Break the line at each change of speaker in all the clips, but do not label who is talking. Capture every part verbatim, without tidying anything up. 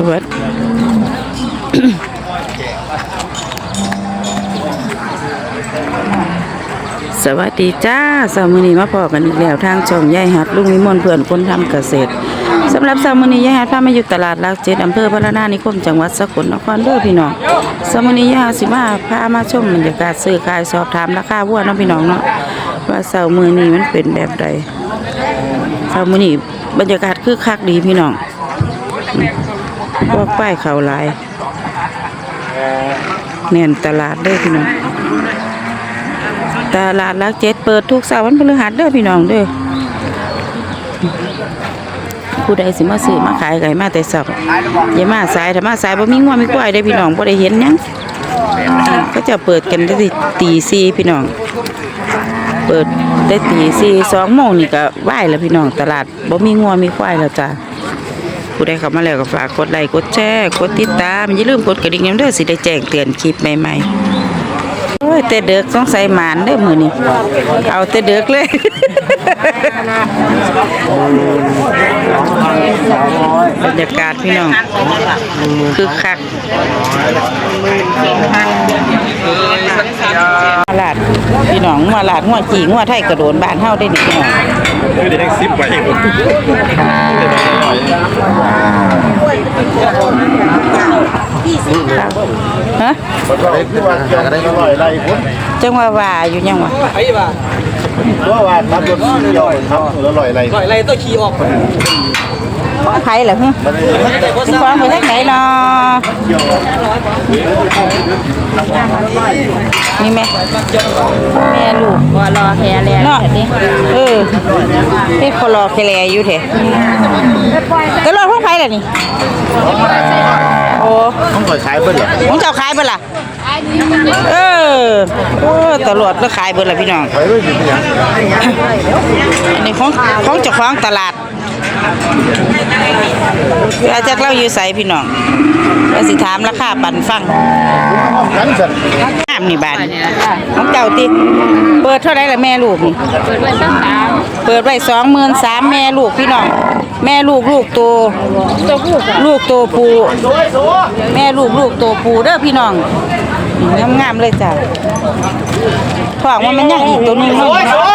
วัสดีสวัสดีจ้าสามมื้อนี้มาพอกันอีกแล้วทางช่องยายหัดลุงวิมลเพื่อนคนทำเกษตรสำหรับสามมื้อนี้ยายหัดพามาอยู่ตลาดหลักเจ็ดอำเภอพระนานิคมจังหวัดสกลนครเด้อพี่น้องสามมื้อนี้ยายหัดสิมาพามาชมบรรยากาศซื้อขายสอบถามราคาวัวเนาะพี่น้องเนาะว่าเสาร์มื้อนี้มันเป็นแบบใดเสาร์มื้อนี้บรรยากาศคึกคักดีพี่น้องพวกป้ายเขาหลายแน่นตลาดเด้อพี่น้องตลาดหลักเจ็ดเปิดทุกเสาร์วันพฤหัสเด้อพี่น้องเด้อผู้ใดสิมาซื้อมาขายไก่มาแต่สับอย่ามาสายถ้ามาสายบ่มีงัวมีควายได้พี่น้องบ่ได้เห็นหยังก็จะเปิดกันได้ตีสี่พี่น้องเปิดได้ตีสี่สองโมงนี่ก็ไหวแล้วพี่น้องตลาดบ่มีงัวมีควายแล้วจ้าผู้ใดเข้ามาแล้วก็ฝากกดไลค์กดแชร์กดติดตามอย่าลืมกดกระดิ่งเด้อสิได้แจ้งเตือนคลิปใหม่ๆโอ้ยแต่เด็กสงสัยหมานเด้อมื้อนี้เอาแต่เด็กเลยบรรยากาศพี่น้องคือคักมาลาดพี่น้องมาลาดงัวจีงัวไทยกระโดนบ้านเฮาได้นี่พี่น้อง
คือได้สิบใบ
ฮะจังว่าว่าอยู่ยังวะ
ตัวว่าตัดรถยอยครับแล้วลอยไรลอยไรตัวขี่ออก
ใครเหรอฮึฟังไปทางไหนเนาะมีไหมแม่ลูกว่ารอแคร์แลเนาะเออเป็นคนรอแคร์แลอยู่เถอะก็รอพวกใครล่ะนี่โอ้
ต้องคอยขายเบิ้ลเหรอ
ของเจ้าขายเบิ้ลล่ะเออโอ้ตลอดก็ขายเบิ้ลล่ะพี่น้องอันนี้ของของเจ้าของตลาดอาจารย์เล่าอยู่ใส่พี่น้องแล้วสิถามราคาปันฟังน้ำนี่บานของเจ้าติเปิดเท่าไรล่ะแม่ลูกนี่เปิดไว้สองสามเปิดไว้สองหมื่นสามแม่ลูกพี่น้องแม่ลูกลูกโตลูกโตปูแม่ลูกลูกโตปูเด้อพี่น้องงามๆเลยจ้ะท้องว่ามันยังอีกตัวนึงเนาะ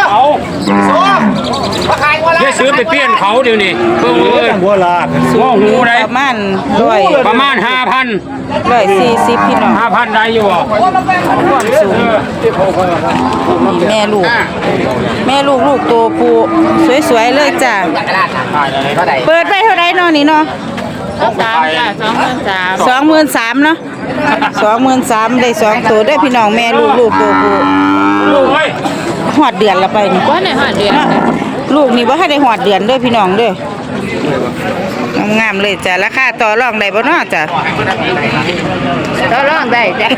ได้ซื้อไปเปลี่ยนเขาเดี๋ยวนี้เพิ่งเลยบัวลาดง้อหูได้
ประมาณร้อย
ประมาณห้าพัน
ร้อยสี่สิบพี่น้อง
ห้าพันได้อยู่
ความสูงนี่แม่ลูกแม่ลูกลูกโตปูสวยๆเลยจ้ะเปิดไปเท่าไรเนาะนี่เนาะสามจ้ะสองหมื่นสามสองหมื่นสามเนาะสองหมื่นสามได้สองตัวได้พี่น้องแม่ลูกลูกโตปูลูกหอดเดือนละไปนี่ว่าในหอดเดือนลูกนี่ว่าให้ได้หอดเดือนด้วยพี่น้องด้วยงามเลยจ้ะราคาต่อรองได้บ่เนาะจ้ะ
ต่อรองได้จ้ะ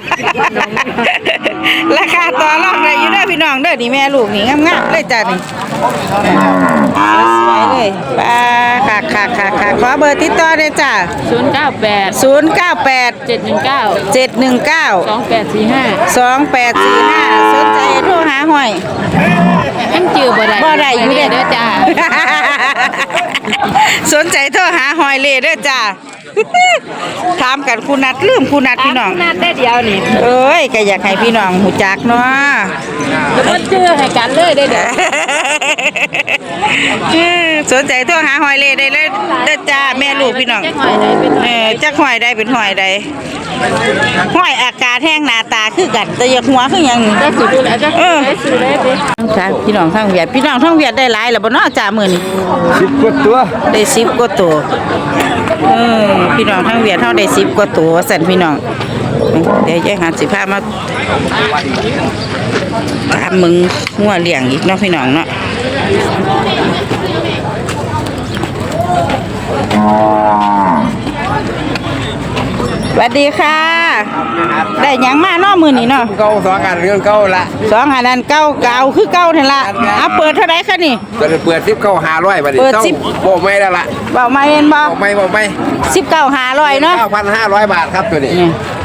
ราคาต่อรองได้อยู่ด้วยพี่น้องเด้อนี่แม่ลูกนี่งามๆเลยจ้ะนี่สวยเลยป้าค่ะค่ะค่ะค่ะขอเบอร์ติดต่อได้จ้ะ
ศูนย์เก้าแปด
ศูนย์เก้าแปด
เจ็ดหนึ่งเก้า
เจ็ดหนึ่งเก้า
สองแปดสี่ห้า
สองแปดสี่ห้าสนใจโทรหาห้อย
ยังจือบ่ได้
บ่ได้อยู่เด้อ
จ้า
สนใจโทรหาหอยเล่เด้อจ้าถามกันคุณนัดลืมคุณนัดพี่น้อง
นัดได้เดียวนี่
เอ้ยก็อยากให้พี่น้องหูจักเนาะ
แล้วก็ชื่อให้กันเลยได้เด้อ
สนใจโทรหาหอยเล่ได้เลยเด้อจ้าแม่ลูกพี่น้องเออจักหอยได้เป็นหอยใดหอยอากาศแห้งหน้าตาคือกันแต่อยากหัวคือหยัง
ได้สิดูแลจักเออได้สิได้ดิ
ค่ะพี่น้องทั้งเวียดพี่น้องทั้งเวียดได้หลายแล้วบ่เนาะจ้ามื้อนี้
สิบกว่าตัว
ได้สิบกว่าตัวเออพี่น้องทั้งเวียดเฮาได้สิบกว่าตัวสั่นพี่น้องเดี๋ยวยายหัดสิพามาตามมึงงัวเลี้ยงอีกเนาะพี่น้องเนาะสวัสดีค่ะได้หยังมาเนาะมื้อนี้เนาะ
เก้าสองอันเรื่องเก้าละ
สองอันนั้นเก้าเก่าคือเก้านั่นล่ะเอาเปิดเท่าไหร่คะนี่
เปิดเปิดสิบเก้าห้าร้อยบาทเปิดสิบบอกไม่ได้ละ
บอกไม่เห็นบอก
บอกไม่บอกไม่
สิบเก้าห้าร้อยเนาะ
เก้าพันห้าร้อยบาทครับตัวนี้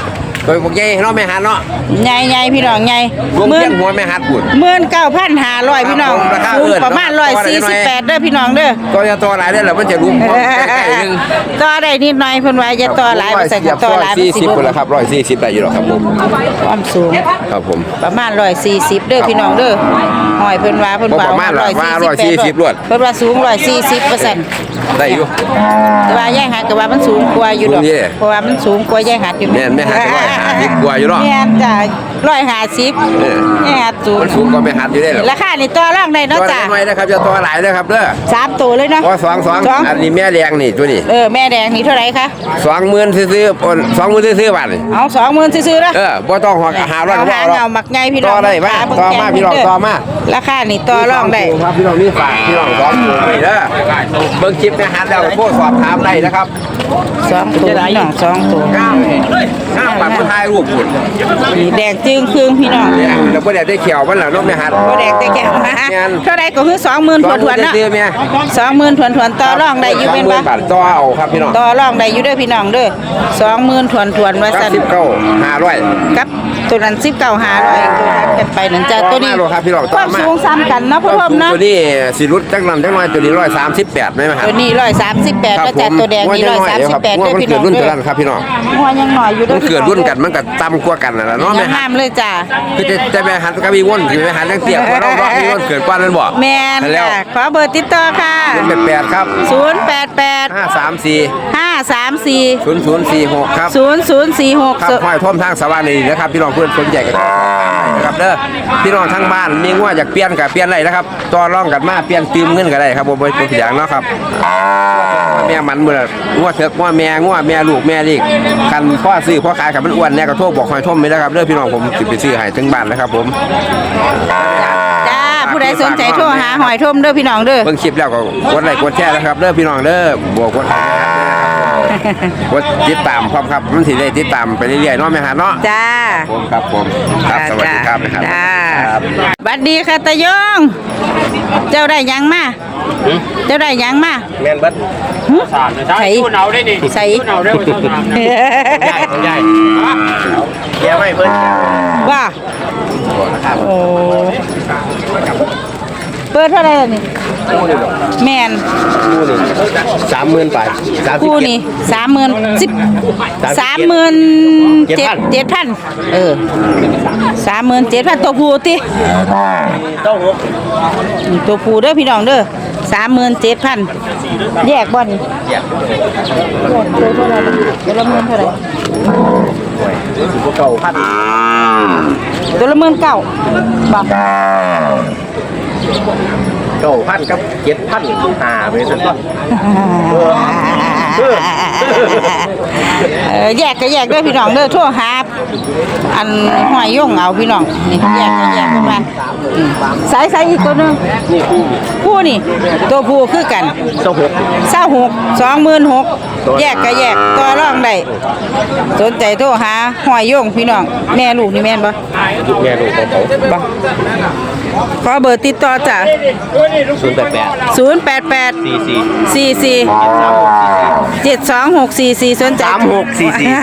โดยพวกใหญ่เนาะแม่หันเนาะ
ใหญ่ๆพี่น้องใหญ่
รวม
หมื่
เพี
น
ยงหัวแม่หันปุ่น
หมื่นเก้าพันห้าร้อยพี่น้อง
ราคา
สูง
เอิ้น
ประมาณร้อยสี่สิบแปดเด้อพี่น้องเด้อ
ก็จะตัวหลายได้แหละมันจะรุมใกล้ๆนึง
ต่อได้นิดหน่อยเพิ่นว่าจะต่อหลายบ่ใส่ก็ต่อหลาย
สี่สิบ
บ่
คนละครับร้อยสี่สิบได้อยู่หรอกครับผม
ความสูง
ครับผม
ประมาณร้อยสี่สิบเด้อพี่น้องเด้อหอยเพิ่นว่าเพิ่นว่า
บ่ประมาณหรอกว่าร้อยสี่สิบรวด
เพิ่นว่าสูงร้อยสี่สิบเปอร์เซ็นต์
ได้อยู่
แต่ว่าแย่งหัดก็ว่ามันสูงกว่าอยู่ดอก
สูงเด้
เพราะว่ามันสูงกว่าแย่งหัดอยู่
แม่นแม่หัดก็ร้อยห้าสิบกว่าอยู่เนาะ
แม่นจ้ะร้อยห้าสิบ
เออ
แย่งหัดสูง
มันสูงกว่าแม่หันอยู่ได้หรอ
ราคานี่ต่อรองได้
ตั
เนาะ
ว
จ้ะ
น้อยนะครับจะตัวหลายนะครับเด้อ
สามตัวเลยเนาะ
ว่าสองสอง
สอง
อันนี้แม่แดงนี่ตัวนี้
เออแม่แดงนี่เท่าไหร่คะ
สองหมื่นซื้อๆอ่อนสองหมื่นซื้อๆบาทนี่
เอาสองหมื่นซื้อๆนะ
เออบ่ต้องหัวหาร้อยก็บ่
หา
เอาหรอก
เงาหมักไงพี่น้อง
ต่อได้มา
ขาเบิ่ง
ต่อมา
แกง
พี่น้อง
เด้
ต่อมา
ราคานี่ต่อรองได้
ครับพี่น้องนี่ฝากพี่น้องสองตัวนี่เด้อเบิ่งคลิปแม่หันแล้วก็โทรสอบถามได้นะครับ
สองตัวพี่น้องสองตัว
งามงามปัดผู้ถ่ายรูปพุ่น
นี่แดงจึงครึ่งพี่น้อง
เนี่ยแล้วบ่ได้ได้เขียวมันล่ะเนาะแม่หัน
ก็แดงแต่แก้วมา
แม่น
เท่าไรก็คือสองหมื่นถวนถวนๆเนาะ
ซื้อๆแม่
สองหมื่นถวนถวนๆต่อรองได้อยู่เป็น
สงหมื่
ปะ
บาทต่อเอาครับพี่น้อง
ต่อรองได้อยู่เด้อพี่น้องเด้อสองหมื่นถวนถวนๆว่า
เก้า
สั่น
สิบเก้าห้าร้อย
กับตัวนั้นสิบเก้าหาร้อยตัวนั้นกันไปนั่นจ้ะตัวนี้
ต่อมาโลครับพี่น้อง
ค
ต่อ
วาม
มา
สูงซ้ำกันเนาะพ่อผมเนาะ
ตัวนี้สิรุดจักนั้นจักหน่อยตัวนี้ร้อยสามสิบแปดไหมครับ
ตัวนี้ร้อยสามสิบแปดแล้วจ้ะตัวแดงนี่ร้อยสามสิบแปด
ว่า
เด้อ
มัน
พี่
เกิ
น้
ด
อง
รุ่น
เด้
ตัว
อ
นั้นครับพี่น้อง
หัวยังหน่อยอยู่เด้อ
มันเกิดรุ่นกันมันก็ต่ำกว่ากันนะเนาะ
ยั
แม่
ง
หั
ห้าน มเลยจ้ะ
คือจะจะแม่หันก็มีว่นคือแม่หันจังเตี้ยกว่าน้องๆมีว่นเกิดกว่านั้นบ่
แมน
นั่นแล้ว
ค่ะขอเบอร์ติดต่อค่ะ
เป็นแปดครับ
ศูนย์แปดแปด
ห้าสามสี่
ห้าสามสี่
ศูนย์ศูนย์สี่หกครับ
ศูนย์ศูนย์สี่หก
ครับห้อยท่อมทางสว่างนี่นะครับพี่น้องเพื่อนสนใจกันนะครับเด้อพี่น้องทั้งบ้านมีงัวอยากเปลี่ยนก็เปลี่ยนได้นะครับต่อรองกันมาเปลี่ยนตืมเงินก็ได้ครับบ่บ่เป็นอย่างเนาะครับแม่มันเมื่องัวเถอกงัวแม่งัวแม่ลูกแม่ลีกคันพ่อซื้อพ่อขายครับมันอ้วนแน่ก็โทรบอกห้อยท่อมไปนะครับเด้อพี่น้องผมสิไปซื้อให้ถึงบ้านนะครับผม
จ้าผู้ใดสนใจโทรหาหอยทมเด้อพี่น้องเด้อ
เบิ่งคลิปแล้วก็กดไลค์กดแชร์นะครับเด้อพี่น้องเด้อบวกกดกดติดตามพร้อมครับมันสิได้ติดตามไปเรื่อยๆเนาะแม่หาเนาะ
จ้า
ผมครับผมครับสวัสดีครับนะครับ
จ้า
ครับ
บัดดีค่ะตายง เจ้าได้หยังมาเจ้าได้หยังมา
แม่นเบิด
ใส่ใส่
ใหญ่เดี๋ยวไม่เพิ่น
ว่าโอ้เปิดเท่าไหร่ล่ะนี่แมน
สามหมื่นไปสามสิบ
คู่
เจ็ด
นี่สามหมื่นสิบสามหมื่นเจ็ดเจ็ดพันเออสามหมื่นเจ็ดพันตัวผู้ติ
ต้องหก
นี่ตัวผู้เด้อพี่น้องเด้อสามหมื่นเจ็ดพันแยกบ่นี่แยกตัวเท่าไหร่ตัวละหมื่นเท่าไหร่
เก่าพัน
ตัวละหมื่นเก้าบอก
เก่าพันกับเจ็ดพันห้าไปสุด
เออแยกก็แยกเด้อพี่น้องเด้อโทรหาอันห้อยย่งเอาพี่น้องนี่แยกก็แยกกันมาอืมสายสายอีกตัวหนึง
นี่คู่
ผู้นี่ตัวผู้คือกัน
เจ้าหก
เศร้าหกสองหมื่นหกแยกก็แยกต่อรองได้สนใจโทรหาห้อยย่งพี่น้องแม่ลูกนี่แม่นบ่
ลูกแม่ลูกของเขา
บ่ขอเบอร์ติดต่อจ้ะ
ศูนย์แปดแปด
ศูนย์แปดแปด
สี่สี่
สี่สี่เจ็ดสองหกสี่สี่สนใจ
สามหกสี่สี่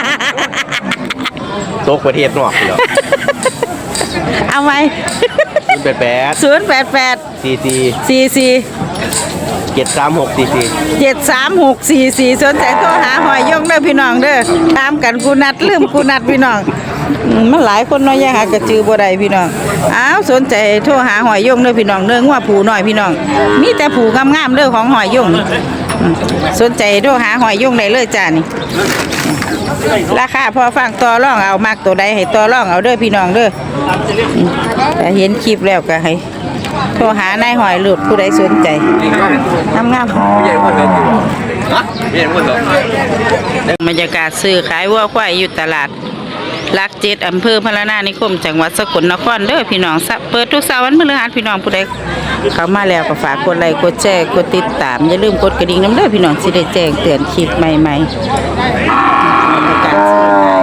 ตกประเทศนอกเหรอ
เอาไหม
ศูนย์แปดแปด
ศูนย์แปดแปด
สี่สี่
สี่สี่
เจ็ดสามหกสี่สี่
เจ็ดสามหกสี่สี่สนใจโทรหาหอยยงเด้อพี่น้องเด้อตามกันกูนัดลืมกูนัดพี่น้องอืมมันหลายคนเน้อยยังหากระจือบ่ได้พี่น้องอ้าวสนใจโทรหาหอยยงเด้อพี่น้องเด้องัวผูน้อยพี่น้องมีแต่ผูงามๆเด้อของหอยยงอืมสนใจโทรหาหอยยงได้เลยจ้านี่ราคาพอฟังต่อรองเอามากตัวใดให้ต่อรองเอาเด้อพี่น้องเด้ออืมแต่เห็นคลิปแล้วก็ให้โทรหานายหอยหลุดผู้ใดสนใจงามๆ
ใหญ่หมดเลยฮะใหญ่หมดเลย
บรรยากาศซื้อขายวัวควายอยู่ตลาดหลักเจ็ดอำเภอพระนานิคมจังหวัดสกลนครเด้อพี่น้องสะเปิดทุกเสาร์วันพฤหัสพี่น้องผู้ใดเข้ามาแล้วก็ฝากกดไลค์กดแชร์กดติดตามอย่าลืมกดกระดิ่งน้ำเด้อพี่น้องสิได้แจ้งเตือนคลิปใหม่ๆบรรยากาศซื้อ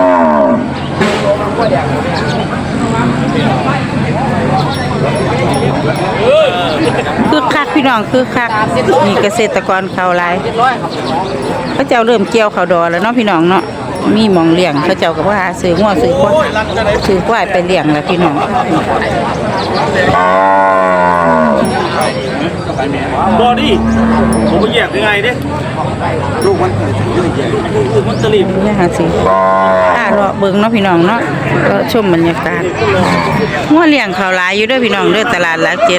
ขายคือคักพี่น้องคือคักมีเกษตรกรเขาหลายพระเจ้าเริ่มเกี่ยวเขาวดอแล้วเนาะพี่น้องเนาะมีหมองเลี้ยงเขาเจ้าก็ว่าซื้องัวซื้อควายซื้อควายไปเลี้ยงแล้วพี่น้อง
บอดี้ผมไปแยกยังไงเด้ลูกมันลูกมันตะลิบ
นี่ค่ะสิอ่ารอเบิ่งเนาะพี่น้องเนาะก็ชมบรรยากาศงัวเลี้ยงเขาหลายอยู่เด้อพี่น้องเด้อตลาดหลักเจ็ด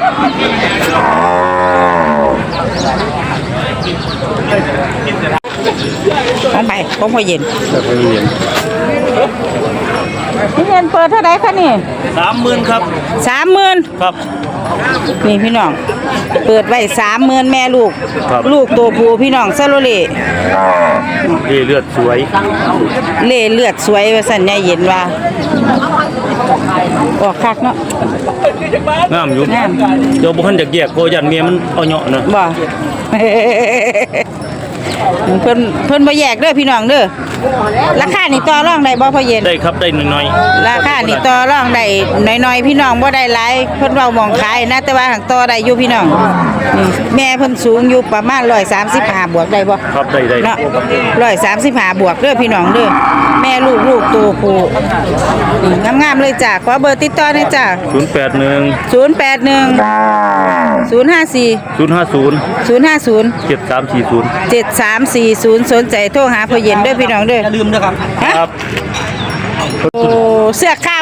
ของไปของพ่อเย็นพี่เย็นเปิดเท่าไหร่คะนี่
สามหมื่นครับ
สามหมื่น
ครับ
นี่พี่น้องเปิดไว้สามหมื่นแม่ลูก
ครับ
ลูกตัวผู้พี่น้องซาโลเล่
ดีเลือดสวย
เล่เลือดสวยว่าสั่นยายเย็นว่าออกคักเนาะ
งามอยู่
งาม
เดี๋ยวบุคันจะแยกโกยันเมียมันเอาเหาะนะ
บ่ เพิ่นเพิ่นบ่แยกเด้อพี่น้องเด้อราคานี่ต่อรองได้บ่พ่อเย็น
ได้ครับได้หน่อย
ราคานี่ต่อรองได้น้อยๆพี่น้องบ่ได้หลายเพิ่นเว้าหมองขายนะแต่ว่าหังต่อได้อยู่พี่น้องนี่แม่เพิ่นสูงอยู่ประมาณหนึ่งร้อยสามสิบห้าบวกได้บ่
ๆครับได้ได้
เนาะหนึ่งร้อยสามสิบห้าบวกเด้อพี่น้องเด้อแม่ลูกลูกตัวผู้นี่งามๆเลยจ้ะขอเบอร์ติดต่อหน่อยจ้ะ
ศูนย์แปดหนึ่ง
ศูนย์แปดหนึ่ง ศูนย์ห้าสี่
ศูนย์ห้าศูนย์
ศูนย์ห้าศูนย์
เจ็ดสามสี่ศูนย์
เจ็ดสามสี่ศูนย์สนใจโทรหาพ่อเย็นเด้อพี่น้องเด้อ
อย่าลืมนะครับ
ฮะ
ครับ
โอ้เสื้อข้าว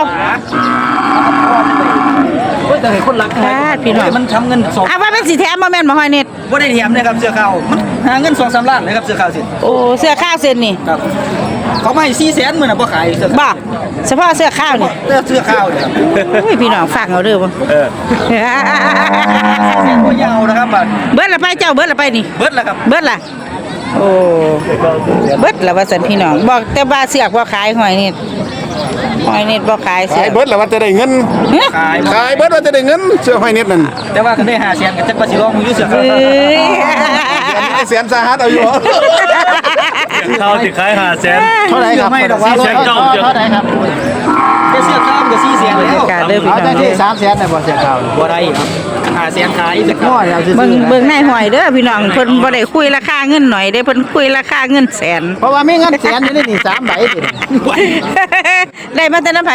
แต่เห็นคนรัก
พาดพี่น้อง
มันทำเงินสอง
อ่ะว่าเป็นสีแถมบ่แม่นบ่ฮอยเน็ต
ว่าได้เทียมนะครับเสื้อขาวมันหาเงินสองสามล้านนะครับเสื้อขาวสิ
โอ้เสื้อข้าวเส้นนี่
ครับเขาไม่สี่แสนหมื่นอ่ะพอขายเสื้อขาว
บ่เฉพาะเสื้อข้าวนี่
เสื้อเสื้อขาวเนี่ยครับ
โอ้ยพี่น้องฟังเอาเด้อบ่
เออ
เส้นก็ยาวนะครับบัด
เบิดละไปเจ้าเบิดละไปนี่
เบิดแล้วครับ
เบิดละโอ้เบิดละว่าสันพี่น้องบอกแต่ว่าเสือกบ่ขายหอยนี่หอยนี่บ่ขายเสื
ขา
อย ก
เบิร์ดแล้วว่าจะได้เงิน
เฮ้ย
ขาย
ขายเบิร์ดว่าจะได้เงินเสื้อหอยเน็ตนั่น
แต่ว่าก็ได้หาแสนกับจักรพรรดิร้องมึงอยู่เสื้อขาว
เอ้ย
เสียนสาหัสเอาอยู่
เขาสิขายหาแสน
เท่าไหร่ครับ
ไม่ดอกว่า
สี่แสนเก้า
เท่าไหร่ครับแค่เสื้อขาวก็สี่แสน
บร
แล้
รยาว กาศเด้อพี่น้องเด้อ
สามแสนในบ่เสียข่าว
บ่ได้ครับหาแสนขายเสื้อขาว
เบิ่งเบิ่งนายหอยเด้อพี่น้องเพิ่นบ่ได้คุยราคาเงินหน่อยเด้เพิ่นคุยราคาเงินแสน
เพราะว่ามีเงินแสนอยู่ในนี่สามใบติ
ได้มาแต่น้ำไผ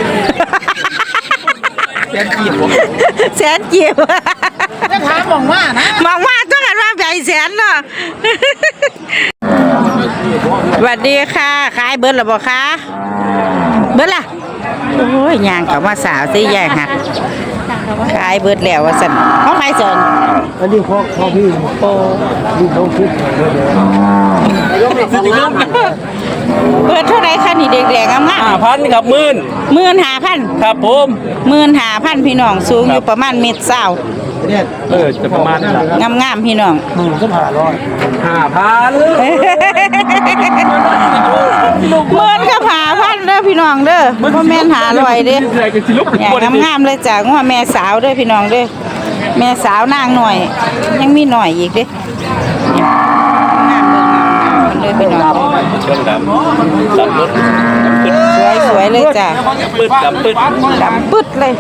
แสนขีด
แสนเจียว
จะถามมองว่านะ
มองว่าต้องกันว่าใหญ่แสนเนาะ สวัสดีค่ะ ขายเบิร์ดหรือเปล่าคะเบิร์ดล่ะ โอ้ยย่างกับว่าสาวสิแย่หักขายเบิร์ดแล้วว่าสันเขาขายสน
อันนี้พ่อพ่อพี่
โอ้
พี่เขาคิด
เบิร์ดเท่าไรคะนี่เด็กๆงาม
ห้าพันครับหมื่น
ๆหมื่นห้าพัน
ครับผม
หมื่นห้าพันพี่น้องสูงอยู่ประมาณเมตรเศร้า
เออจะประมาณนั้นแหละ
งามๆพี่น้อง
ห้าพัน
เมินก็หาพันเด้อพี่น้องเด้อพ่อแม่นหาลอยเด้อ
อะไรกันสิลูก
อย่างงามๆเลยจ้ะว่าแม่สาวเด้อพี่น้องเด้อแม่สาวนางหน่อย ยังมีหน่อยอีกเด้เนี่ยงามเลยงามๆเด้อพี่น้อง
เชิงดำดำรถ
สวยๆเลยจ้ะ
ปืดดำปืด
ดำปึ๊ดเลย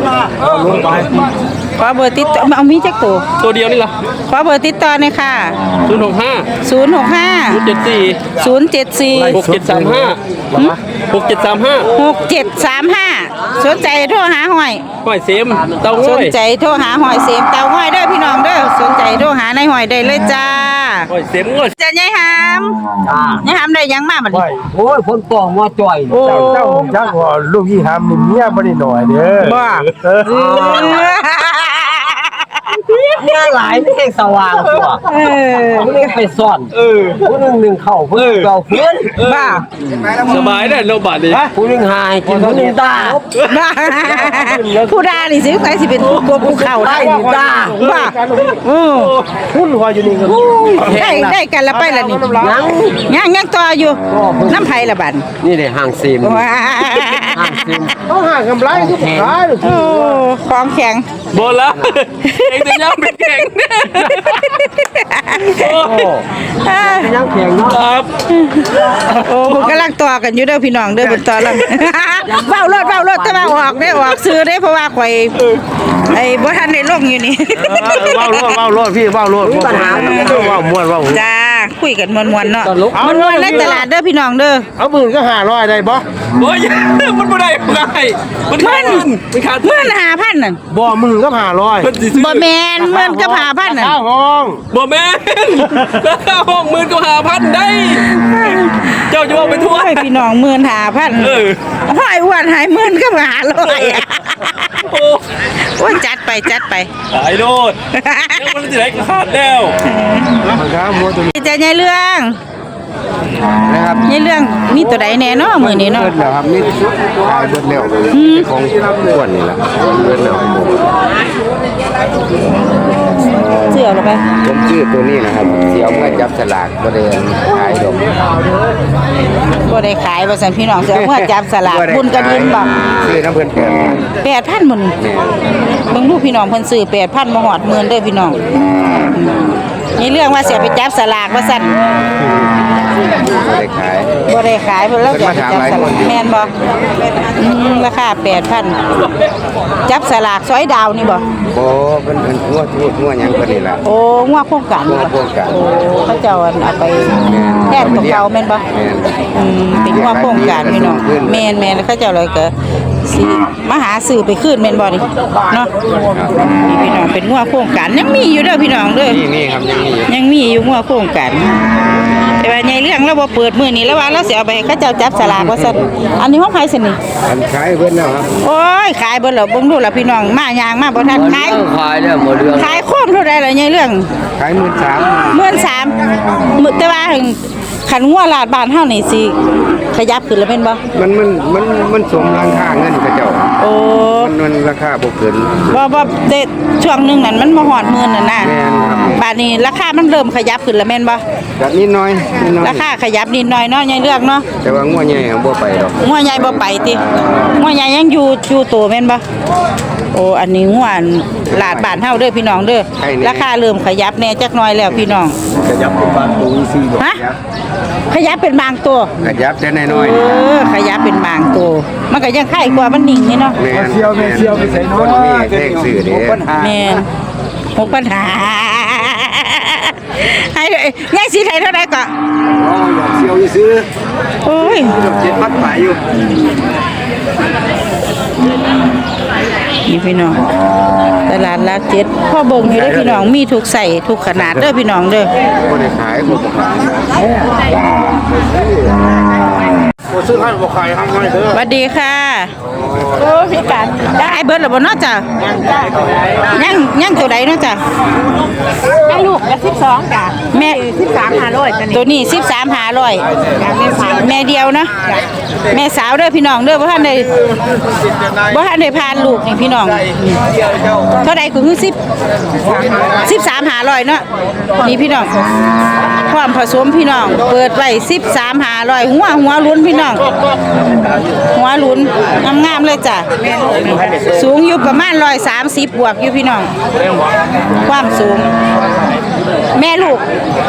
ขอเบอร์ติดต่อเอามีจักตัว
ตัวเดียวนี่ล่ะ
ขอเบอร์ติดต่อหน่อยค่ะ
ศูนย์หกห้า
ศูนย์ หก ห้า
เจ็ดสี่
ศูนย์ เจ็ด สี่
หกเจ็ดสามห้าหกเจ็ดสามห้า
หก เจ็ด สาม ห้าสนใจโทรหาหอย
ห้อยเซมเตา
ส
ห้อน ย
ใจโทรหาหอยเสียมเตาหอยเด้อพี่น้องเด้อสนใจโทรหาในหอยได้เลยจ้า
ห้อยเซมห้อย
จะยายหามยายหามได้หยังมาบัดนี้
โอ้ยคนปองว่าจ่อย
โอ้
เจ้าจักว่าลูกยี่หามนี่เมียบ่ได้หน่อยเด้อ
บ่
งานหลายไม่แห่งสว่างตัว
เออ
ผู้นึงไปซ่อนผู้นึงหนึ่งเข่าผู้นึงเก่าเพื่อน
บ้า
สบายได้เราบาดดี
ผู้นึงหายกินผู้นึงตา
บ้าผู้ดานี่สิใครสิเป็นผู้กลัวผู้เข้าได้บ้าบ้าโอ้
หุ้นหัวอยู่นี่ก็
ได้ได้กันละไปละนี่ยังยังยังต่ออยู่น้ำไผละบัด
นี่เลยห่างซีม
ว้า
เขาหากำไรคือบ่ขาย
โอ้ของแข็ง
โบละเองจะย่ำเป็นแข่ง
ยังแข็งเนาะ
ครับ
โอ้ผมกำลังต่อกันอยู่เด้อพี่น้องเด้อเป็นต่อแล้ว เว้ารถเว้ารถแต่ว่าออกได้ออกซื้อได้เพราะว่าข่อยไอ้บ่ทันได้ลงอยู่นี่
เว้ารถเว้ารถพี่เว้ารถ
มีปัญหา
เว้าม่วนเว้า
จ้าคุยกันมวนๆเนาะมวนๆในตลาดเด้อพี่น้องเด้อ
เอาหมื่นก็หาร้อยได้บ่
โอ้ยมันบ่ได้บ่ได้มันขาดทุนมันขาดทุ
เมื่
น
อหาพันน่ะ
บ่หมื่นก็หาร้อย
มันสิซื้อ
บ่แมนเมื่อนก็หาพันน่ะ
ข้าวห้อง
บ่แม่นห้องหมื่นก็หาพันได้ เจ้าจะเอาไปทั่ว
โอ้ยพี่น้องหมื่นหาพัน
เออ
ห้อยอ้วนหายหมื่นก็หาร้อย
โอ้
โอ้ยจัดไปจัดไป
ตายโลดแล้วมันสิได้ขาดแล้ว
ครับหมดตัวนี้
จะยายเรื่อง
นะครับ
ยายเรื่องมีตัวใดแน่เนาะมื้อนี้เนาะ
เบิดแล้วครับนี่ขายเบิดแล้วของอ้วนนี่แหละเบิดแล้ว
เสื้อลงไป
ผมชื่อตัวนี้นะครับเสียวเมื่อจับสลากบ่ได้ขายดอก
บ่ได้ขายว่าซั่นพี่น้องเสื้อเมื่อจับสลากบุญกระดินบ่
ซื้อน้ำเพิ่นแก่
แปดพันหมื่นเบิ่งดูพี่น้องเพิ่นซื้อแปดพันบ่ฮอดหมื่นเด้อพี่น้องนี่เรื่องว่าเสียไปจับสลากว่าซั่น
บ่ได้ขาย
บ่ได้ขายเพิ่นแล้วจะไปจับสลากแม่นบ่อืมราคาแปดพันจับสลากซอยดาวนี่บ่
บ่เพิ่นเพิ่นงัวทูดงัวหยังเพิ่นนี่ล่ะ
โอ้งัวโครงการ
งัวโครงการ
โอ้เขาเจ้าอันเอาไปแทนตัวเก่าแม่นบ่
แม่น
อืมเป็นงัวโครงการพี่น้องแม่นแม่นแล้วเขาเจ้าเลยก็สิมาหาซื้อไปคืนแม่นบ่นี่เนาะนี่พี่น้องเป็นงัวโครงการยังมีอยู่เด้อพี่น้องเด้อ
นี่นี่ครับยังมีอยู่
ยังมีอยู่งัวโครงการแต่ว่าใหญ่เรื่องเราบ่เปิดมื้อนี้แล้วว่าเราสิเอาไปให้เขาเจ้าจับสลากว่าซั่นอันนี้ของใครซั่นนี่
อันขายเพิ่นแล้วครับ
โอ้ยขายเบิดแล้วเบิ่งดูล่ะพี่น้องมายางมาบ่ทันขาย
ขายแล้วบ่เรื่อง
ขายโคมเท่าใดล่ะใหญ่เรื่อง
ขายหมื่นสาม
หมื่นสามมื้อแต่ว่าถึงคันงัวลาดบ้านเฮานี่สิขยับขึ้นแล้วแม่นบ่
มันมันมันมันสมราคาเงินเขาเจ้า
โอ้
มันมันราคาบ่เกิน
บ่บ่แต่ช่วงหนึงนั่นมันบ่ฮอดหมื่นนั่นน่ะ
แม่นครับ
บาดนี้ราคามันเริ่มขยับขึ้นแล้วแม่นบ่
ก็นิดหน่อยนิดหน่อย
ราคาขยับนิดหน่อยเนาะใหญ่เรื่องเนาะ
แต่ว่างัวใหญ่บ่ไปดอก
งัวใหญ่บ่ไปติงัวใหญ่ยังอยู่อยู่โตแม่นบ่โอ้อันนี้งัวลาดบ้านเฮาเด้อพี่น้องเด้อราคาเริ่มขยับแหน่จักหน่อยแล้วพี่น้อง
ขยับเป็นบางตัวสี่ดอก
ฮะขยับเป็นบางตัว
ขยับแต่น้อย
เออขยับเป็นบางตัวมันก็ยังไข่กว่ามันนิ่งนี่เนาะ
ๆแม่นเสียวแม่เสียวไปใส่น้อยมีเลขซื้อเด้
แม่นหกปัญหาให้ยายสิไทยเท่าใดก็
อ๋ออยากเสียวซื้อ
โอ้ย
เจ็ดพันไปอยู่
นี่พี่น้องตลาดลักเจ็ดพ่อเบิ่งอยู่เด้อพี่น้องมีทุกใส่ทุกขนาดเด้อพี่น้องเด้อ
บ่ได้ขายบ่ขาย
บ่ซื้อให้บ่ขายให้ให้เด้อ
สวัสดีค่ะโอ้พี่กันได้เบิดแล้วบ่เนาะจ้ะยังยังตัวใดเนาะจ้ะ
ให้ลูกละสิบสองจ้ะ
แม่
สิบสามห้าร้อยจ้ะนี่
ตัวนี้สิบสามหาร้อย
จ้ะแม่สาว
แม่เดียวเนาะแม่สาวเด้อพี่น้องเด้อบ่ทันได้บ่ทันได้พานลูกนี่พี่น้องเท่าใดก็คือสิบ สิบสามหาร้อยเนาะนี่พี่น้องความผสมพี่น้องเปิดไว้สิบสามหาร้อยหัวหัวลุ้นพี่น้องหัวลุ้นงามๆเลยจ้ะสูงอยู่ประมาณร้อยสามสิบบวกอยู่พี่น้องความสูง แม่ลูก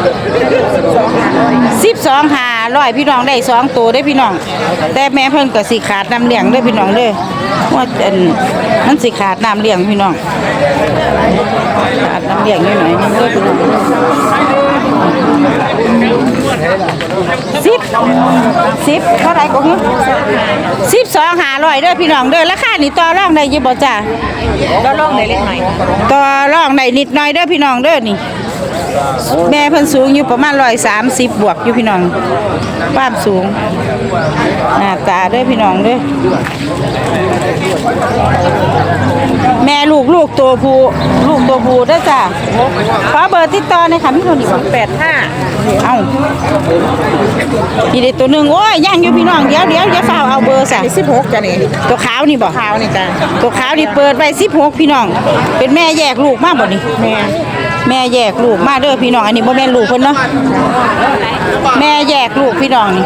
สิบสองหาร้อยพี่น้องได้สองตัวได้พี่น้อง แต่แม่เพิ่นก็สิขาดน้ำเลี้ยงเด้อพี่น้องเด้อว่าอันมันสิขาดน้ำเลี้ยงพี่น้องขาดน้ำเลี้ยงนิดหน่อยนึงเด้อพี่น้องสิบสิบเท่าไหร่ก็คือสิบสองหาร้อยเด้อพี่น้องเด้อราคานี่ต่อรองได้อยี่บ่จ้า
ก็ลองได้เล็กหน่อย
ต่อรองได้นิดหน่อยเด้อพี่น้องเด้อนี่ แม่เพิ่นสูงอยู่ประมาณร้อยสามสิบบวกอยู่พี่น้องความสูงหน้าตาเด้อพี่น้องเด้อแม่ลูกลูกตัวผู้ลูกตัวผู้เด้อจ้าขอเบอร์ติดต่อหน่อยค่ะพี่คนนี้แปดห้าเอ้านี่เด็กตัวหนึ่งโอ้ยย่างอยู่พี่น้องเดี๋ยวเดี๋ยวเดี๋ยวฝ้าเอาเบอร์ซะสิบหกจ้ะนี่ตัวขาวนี่บ่ขาวนี่จ้ะตัวขาวนี่เปิดไว้สิบหกพี่น้องเป็นแม่แยกลูกมาบ่นี่แม่แม่แยกลูกมาเด้อพี่น้องอันนี้บ่แม่นลูกเพิ่นเนาะแม่แยกลูกพี่น้องนี่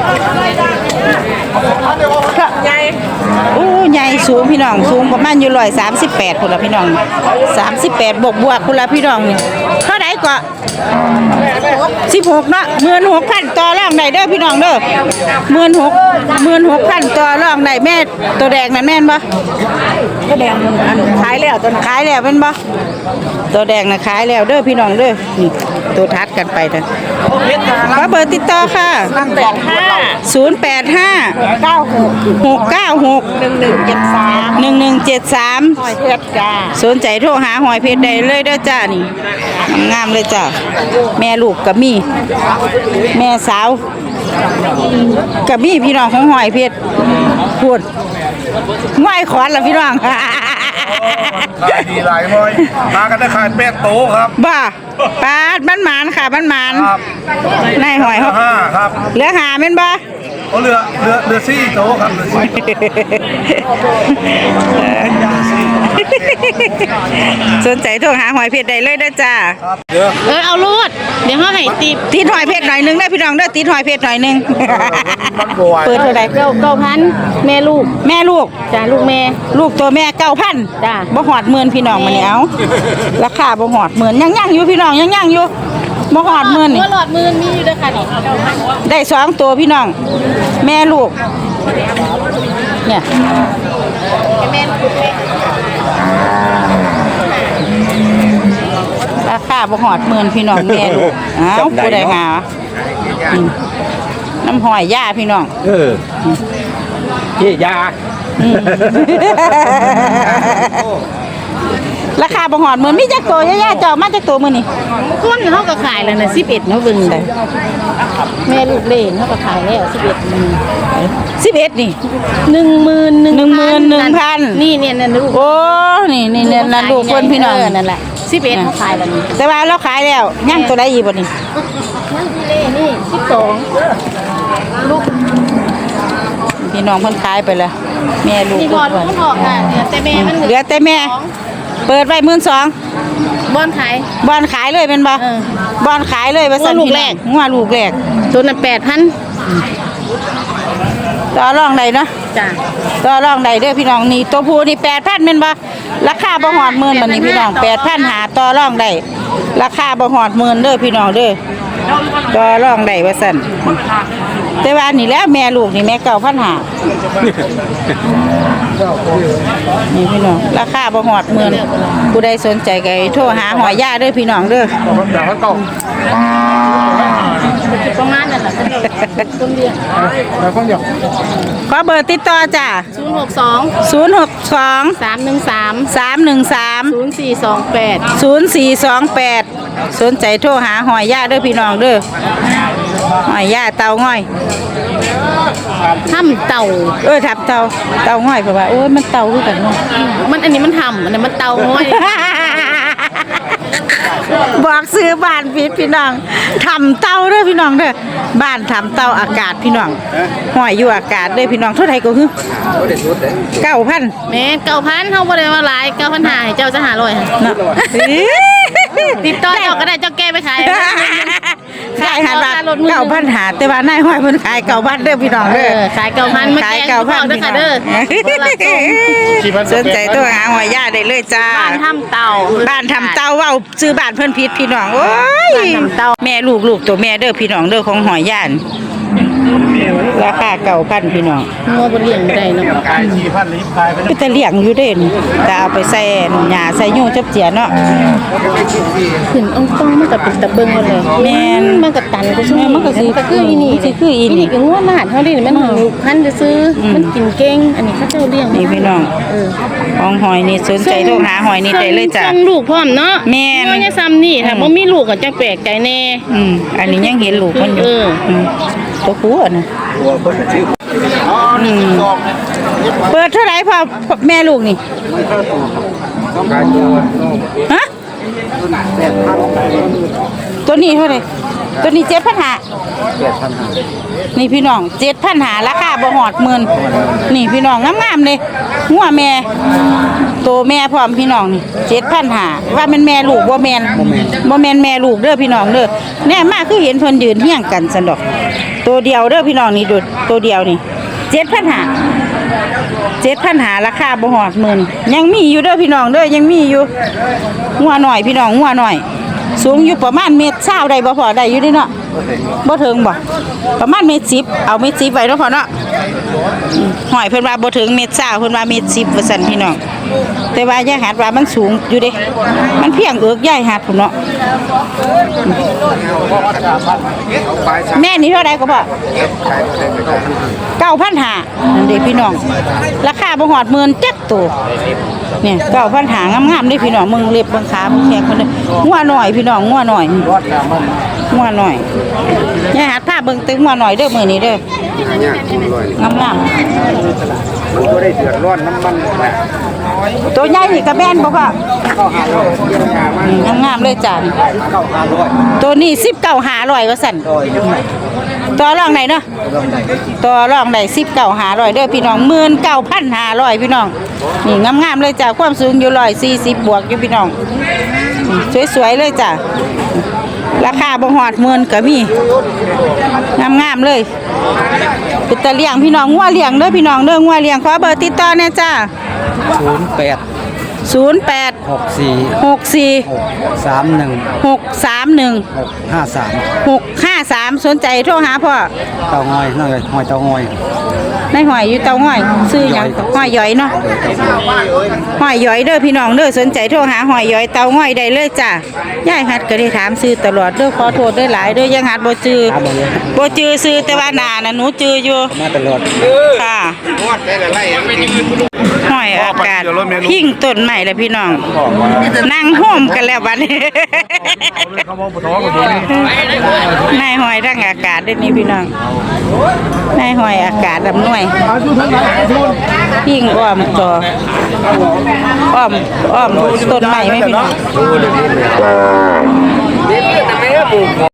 ใหญ่โอ้ใหญ่สูงพี่น้องสูงประมาณอยู่ร้อยสามสิบแปดพุ่นละพี่น้องสามสิบแปดบวกบวกพุ่นละพี่น้องนี่เท่าไหร่ก็สิบหกเนาะหมื่นหกพันต่อรองได้เด้อพี่น้องเด้อหมื่นหกหมื่นหกพันต่อรองได้แม่ตัวแดงนั่นแม่นบ่
ก็แดงอันขายแล้วตอน
ขายแล้วเป็นบ่ตัวแดงน่ะขายแล้วเด้อพี่น้องเด้อนี่ตัวทัดกันไปนะขอเบอร์ติดต่อค่ะ
แปดห้า
ศูนย์แปดห้า
เก้าหก
หกเก้าหก
หนึ่งหนึ่งเจ็ดสาม
หนึ่งหนึ่งเจ็ดสาม
หอยเพชรจ้า
สนใจโทรหาหอยเพชรได้เลยเด้อจ้านี่งามๆเลยจ้าแม่ลูกกับมีแม่สาวกับมีพี่น้องของหอยเพชรพูดง่อยขอนละพี่น้อง
ขายดีหลายหอยมากันได้ขายแปดโต๊ะครับ
บ้าปาดบ้านหมานค่ะบ้านหมาน
ครับ
นายหอยเขา
ห้าครับ
เหลือหาแม่นบ่
เขาเรือเรือเรือซี่โต๊ะครับเรือซี่
สนใจโทรหาหอยเพชรได้เลยเด้อจ้า
เรือ
เออเอาลูดเดี๋ยวเขาให้ตี
ติดหอยเพชรหน่อยหนึงได้อพี่น้องเด้อติดหอยเพชรหน่อยหนึง
มันบวย
เปิดเท่าไหร่
เก้าเก้าพันแม่ลูก
แม่ลูก
จ้าลูกแม่
ลูกตัวแม่เก้าพัน
จ้ะ
บ่หอดหมื่นพี่น้องมาเนี่ยเอาราคาบ่หอดหมื่นยังยังอยู่พี่น้องยังยังอยู่บ่หอดหมื่นนี่
ตัวหลอดมือมีอยู่ด้วยค่ะนี่
ได้สองตัวพี่น้อง แม่ลูกเนี่ย
แม่ลูกแม่
ราคาบ่หอดหมื่นพี่น้องแม่ลูกเอ้าผู้ใดหาอืมน้ำหอยย่าพี่น้อง
เออเจ๊ยา
อืม ราคาบ่หอดหมื่นมีจักตัวย่าๆเจ้ามาจักตัวมื้อนี่
คนเขาก็ขายแล้วนะสิบเอ็ดเนาะเบิ่งเลยแม่ลูกเล่นเขาก็ขายแล้วสิบเอ็ด
สิบเอ็ดนี่
หนึ่งหมื่นหนึ่ง
หนึ่งหมื่นหนึ่งพัน
นี่เนี่ยนั่นลูก
โอ้นี่นี่เนี่ยนั่นลูกคนพี่น้อง
เนั่นแหละสิบเอ็ดเขาขายแล้วนี่
แต่ว่าเราขายแล้วย่างตัวใดอีกบ่นี่
นั่นพี่เล่นี่สิบสองลูก
พี่น้องเพิ่นขายไปแล้วแม่ลูก
นี่พอลูกมันออกค่ะเนี่ยแต่แม่มัน
เหลือแต่แม่ เปิดไว้หมื่นสอง
บอนขาย
บอนขายเลยเป็นบ่
เออ
บอนขายเลยว่าซั่น
งัวลูกแรก
งัวลูกแรก
ตัวนั้นแปดพัน
ต่อรองได้เนาะ
จ้ะ
ต่อรองได้เด้อพี่น้องนี่ตัวผู้นี่แปดพันแม่นบ่ราคาบ่ฮอดหมื่นบัดนี้พี่น้องแปดพันหาต่อรองได้ราคาบ่ฮอดหมื่นเด้อพี่น้องเด้อต่อรองได้ว่าซั่นแต่ว่านี่แหล้วแม่ลูกนี่แม่เก้าพันหานี่พี่น้องราคาบ่ฮอดหมื่นผู้ใดสนใจก็ให้โทรหาหอยย่าเด้อพี่น้องเด้อ
ประมาณนั้นแหละต้นเดือน
ขอเบอร์ติดต่อจ้ะ
ศูนย์หกสอง
ศูนย์หกสอง
สามหนึ่งสาม
สามหนึ่งสาม
ศูนย์สี่สองแปด
ศูนย์สี่สองแปดสนใจโทรหาหอยย่าเด้อพี่น้องเด้อหอยย่าเตาง่อย
ถ้ำเต่า
เออทับเตาเตาง่อยเพราะว่าโอ้ยมันเตาคือกันเนาะ
มันอันนี้มันทำอันนี้มันเต่าง้อย
บอกซื้อบ้านผิดพี่น้องทำเตาเด้อพี่น้องเด้อบ้านทำเตาอากาศพี่น้องหอยอยู่อากาศเด้อพี่น้องเท่าไหร่ก็คือเก้าพัน
แม่เก้าพันเขาบริวารหลายเก้าพันหาให้เจ้าจะหาร้อยค่ะ
เนาะ
ติดต่อเจ้าก็ได้เจ้าแก้ไปขาย
ขายหันว่าเก้าพันหาแต่ว่านายหอยเพิ่นขายเก้าพันเด้อพี่น้อง
เอ
เด้อ
อขายเก้าพันมา
ขาย
แก้
เก้าพัน
เด้อค่ะเด้อ
สนใจตัวหาหอยย่าได้เลยจ้า
บ้านถ้ำเต่า
บ้านทำเต้าเว้าซื้อบ้านเพิ่นผิดพี่น้องโอ้ย
บ้านทำเต้า
แม่ลูกลูกตัวแม่เด้อพี่น้องเด้อของหอยย่านราคาเก่าพันพี่น้อง
งัวบนเลี้ยงไม่ได้เนาะ
ขายสี่พันลิตรขายไป
ก็จะเลี้ยงอยู่เด่นแต่เอาไปใส่หญ้าใส่ยุ่งจับเจียเนาะ
ขึ้นองต้องมันก็เป็นตะเบิงเลย
แม่น
มันก็ตันก็ช่วย
แม่นมันก็สิ
ก็คืออีนี่
สิคืออีนี่
นี่ก็งัวหลานเฮาดิมันลูกพันธุ์ซื้ออมันกินเก่งอันนี้เขาเจ้าเลี้ยง
นี่พี่น้อง
เออ
ของหอยนี่สนใจโทรหาหอยนี่ได้เลยจ้ะ
ส่งลูกพร้อมเนาะ
แม่น
งัวเนี่ยซ้ำนี่ถ้าบ่มีลูกก็จังแปลกใจแน่
อืมอันนี้ยังเห็นลูกมันอยู่
เอออื
มตัวผู้อะนะ
ตัวคนชื่ออ๋อนี่สิบสอง
เปิดเท่าไหร่พ่อแม่ลูกนี่
ต้องขายตัว
ฮะตัวนี้เท่าไหร่ตัวนี้เจ็ดพันหา
แปดพันห้า
นี่พี่น้องเจ็ดพันหาราคาบ่หอดหมื่นนี่พี่น้องงามๆเลยหัวแม่โตแม่พร้อมพี่น้องนี่เจ็ดพันหาว่ามันแม่ลูกบ่แม่นบ่แม่นแม่ลูกเด้อพี่น้องเด้อแน่มากคือเห็นเพิ่นยืนเฮียงกันซั่นดอกตัวเดียวเด้อพี่น้องนี่ดูตัวเดียวนี่เจ็ดพันหาเจ็ดพันหาราคาบ่หอดหมื่นยังมีอยู่เด้อพี่น้องเด้อยังมีอยู่หัวหน่อยพี่น้องหัวหน่อยสูงอยู่ประมาณเมตรเศร้าได้บ่พอได้อยู่เดิเนาะบ่ถึงบ่ประมาณเมตรสิบเอาเมตรสิบไว้เนาะพอเนาะอืมหอยเพิ่นว่าบ่ถึงเมตรเศร้าเพิ่นว่าเมตรสิบว่าซั่นพี่น้องแต่ว่ายายหัดว่ามันสูงอยู่เด้มันเพียงเอิกยายหัดพุ่นเนาะแม่นี่เท่าใดก็บ่เก้าพันห้านั่นเด้พี่น้องราคาบ่ฮอดหมื่นจักตัวเนี่ยเก้าพันห้างามๆเด้พี่น้องมึงเล็บเบิ่งขาแข็งคนเด้งัวหน่อยพี่น้องงัวหน่อยงัวหน่อยยายหัดพาเบิ่งตึงงัวหน่อยเด้อมื้อนี้เด้องามๆ
มันก็ได้เดือดร้อนน้ำมันแหละ
ตัวใหญ่นี่ก็แม่นบ่พ่ออืมงามๆเลยจ้ะตัวนี้สิบเก้าห้าร้อยว่าซั่นต่อรองไหนเนาะต่อรองได้สิบเก้าห้าร้อยเด้อพี่น้องหมื่นเก้าพันห้าร้อยพี่น้องนี่งามๆเลยจ้ะความสูงอยู่ร้อยสี่สิบบวกอยู่พี่น้องสวยๆเลยจ้ะราคาบ่ฮอดหมื่นก็มีงามๆเลยเป็นตะเลี้ยงพี่น้องงัวเลี้ยงเด้อพี่น้องเด้องัวเลี้ยงขอเบอร์ติดต่อแน่จ้า
ศูนย์แปด
ศูนย์แปด
หกสี่
หกสี่
สามหนึ่ง
หกสามหนึ่ง
ห้าสาม
หกห้าสามสนใจโทรหาพ่อ
เตางอยนั่นเลยหอยเตางอย
ในหอยอยู่เตาห้อยซื้อหยังหอยย้อยเนาะหอยย้อยเด้อพี่น้องเด้อสนใจโทรหาหอยย้อยเตาห้อยได้เลยจ้ายายหัดก็ได้ถามซื้อตลอดเด้อขอโทษด้วยหลายเด้อยังหัดบ่จื้อบ่จื้อซื้อแต่ว่าหน้าน่ะหนูจื้ออยู่
มาตลอด
ค่ะหอยอากาศพิงต้นใหม่แล้วพี่น้องนั่งโฮมกันแล้วบัดนี้นายหอยทั้งอากาศด้วยนี่พี่น้องนายหอยอากาศลำหน่วยพิงอ้อมต่ออ้อมอ้อมต้นใหม่ไหมพี่น้อง